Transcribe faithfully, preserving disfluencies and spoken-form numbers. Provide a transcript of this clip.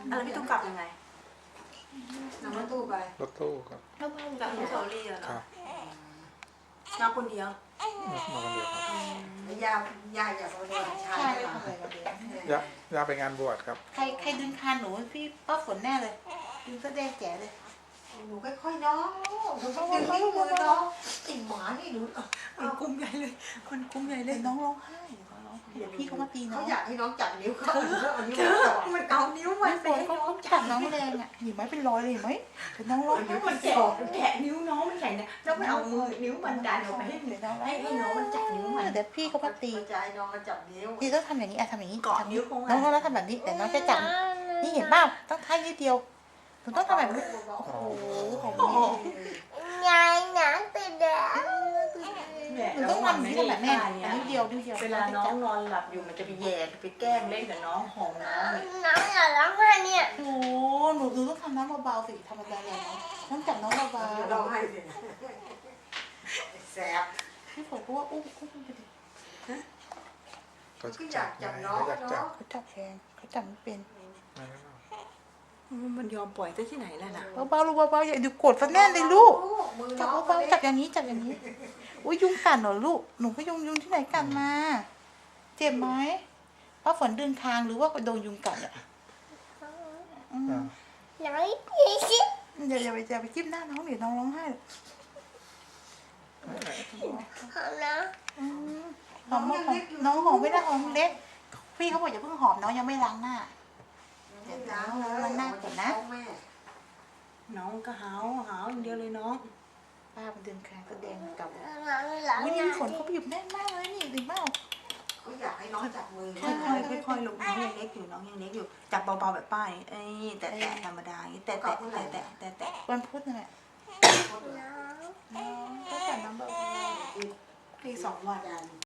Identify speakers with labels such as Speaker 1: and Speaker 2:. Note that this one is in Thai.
Speaker 1: แล้วพี่ตุ้มกลับยังไง
Speaker 2: นั่งรถตู้ไป
Speaker 3: รถตู้ครับ
Speaker 1: จากอนุสาวรีย์เหรอ
Speaker 3: ครับ
Speaker 1: มาคนเดียว
Speaker 3: มาคนเดียวครับ
Speaker 2: แล้วย่าย่าอยากเอาเดินชาย
Speaker 4: ใช่
Speaker 2: ไป
Speaker 4: ไป
Speaker 2: ก่อน
Speaker 4: ทำอะไรมาเดี๋ยว
Speaker 3: ย่าย่าไปงานบวชครับ
Speaker 4: ใครใครดึงคานหนูพี่ป้าฝนแน่เลยดึงเสื้อแดงแจ๋เลย
Speaker 2: หนูค่อยๆน้องหนูต้องดึงนิ้วมือน้องติ่หมานี่หนู
Speaker 1: คนคุมใหญ่เลยคนคุมใหญ่เล
Speaker 4: เดี๋
Speaker 1: ย
Speaker 4: ยวน้องร้องไห้เดี๋ยวน้องเดี๋ยวพี่เขามาตีน้
Speaker 2: เขา
Speaker 4: อง
Speaker 2: อยากให้น้องจับนิ้วเขาเอานิ้ว
Speaker 1: เธอ
Speaker 2: จับ
Speaker 1: มันเอานิ้วมั
Speaker 4: ไม่
Speaker 1: น
Speaker 4: ฝ
Speaker 1: ไป
Speaker 4: น
Speaker 1: ให้
Speaker 4: เขา
Speaker 1: น้อง
Speaker 4: จับน้องแรงอ่ะเห็นไหมเป็นรอยเลยเห็นไหมเดี๋ยวน้องร้องไห้
Speaker 1: นิ้วมันแกะแกะนิ้วน้องมันใหญ่เนี่ยแล้วไม่เอามือนิ้วมันดันออกไปให้
Speaker 4: เดี๋ยวน้อง
Speaker 1: ให้ให้น้องมันจับนิ้วมัน
Speaker 4: เดี๋ยวพี่เขามาตี
Speaker 2: จะให้น้องมาจับนิ้ว
Speaker 4: พี่ต้องทำอย่างนี้อ่ะทำอย่างนี้
Speaker 1: เกาะ
Speaker 4: ทำ
Speaker 1: นิ้วคง
Speaker 4: น้องน้องแล้วทำแบบนี้แต่น้องจะจับนี่เห็นเปล่าต้องท้ายนิดเดียวหนูต้องทำแบบนี้โอ้โหของ
Speaker 1: โอ้โห
Speaker 4: นี่
Speaker 5: ยายหนังติดแดง
Speaker 4: หนูต้องทำอย่างนี้ทำแบบแม่อันนี้เดียวนิดเดียว
Speaker 1: เวลาน้องนอนหลับอยู่มันจะไปแย่ไปแกล้งเล่นกับน้องหอมน้องเนี่ย
Speaker 5: น้องอย่าร้องไห้เนี่ย
Speaker 4: โอ้หนูหนูต้องทำน้ำเบาๆสิธรรมดาเลยเนาะต้องจับน้องเบา
Speaker 2: ร้องไห้สิแสบ
Speaker 4: ๆพี่ฝนก็ว่าอุ้มอุ้มไปดิ
Speaker 3: เขา
Speaker 2: ก็อ
Speaker 3: จั
Speaker 2: ยา
Speaker 3: บ
Speaker 2: กจับ
Speaker 3: ไง
Speaker 2: น้อง
Speaker 3: เขาอยากจับ
Speaker 2: เนาะ
Speaker 4: เขาจับแขนเขาจับไม่เป็น
Speaker 3: ไม่ไม่ไม่
Speaker 1: มันยอมปล่อยได้ที่ไหนล่ะนะ
Speaker 4: เบาๆลูกเบาๆอย่าดูกดฟันแน่นเลยลูก
Speaker 2: มือ
Speaker 4: จับ
Speaker 2: น้อง
Speaker 4: เบาๆจับอย่างนี้จับอย่างนี้อุ้ยยุงกัดเหรอลูกหนูก็ยุงยุงที่ไหนกัดมา เจ็บไหมป้าฝนดึงคางหรือว่าโดนยุงกัดอ่ะอืม
Speaker 3: อ่า
Speaker 5: น้องยี่สิบ
Speaker 4: อย่าอย่าไปอย่าไปจิ้มหน้าน้องเดี๋ยวน้องร้องไห้
Speaker 5: หอมนะ
Speaker 4: อืมหอมหอมน้องหอมไม่ได้หอมเล็กพี่เขาบอกอย่าเพิ่งหอมน้องยังไม่ล้างหน้า
Speaker 2: ล้างเลย
Speaker 4: มันน่าเกลียดนะ
Speaker 2: แม่
Speaker 1: น้องก็หาวหาวอย่างเดียวเลยน้อง
Speaker 4: ป้ามันดึงคางก็แดงกลับ
Speaker 5: น้องหลัง
Speaker 4: อุ้ย
Speaker 5: ห
Speaker 4: นี่
Speaker 5: น้า
Speaker 4: ฝนเขาบีบแน่นมากเลยนี่ดึงเปล่า
Speaker 2: เขาอยากให้น้องจับมือ
Speaker 1: ค่อยๆค่อยๆลูกน้องยังเล็กอยู่น้องยังเล็กอยู่จับเบาๆแบบป้ายเอ้ยแต่แต่ธรรมดาอย่างนี้แต่แต่แต่แต่แต่แต่
Speaker 4: วันพุธนั่นแหละ
Speaker 5: น้อง
Speaker 4: น้องก็จับน้ำเบา
Speaker 1: อีกสองวัน
Speaker 2: ยัน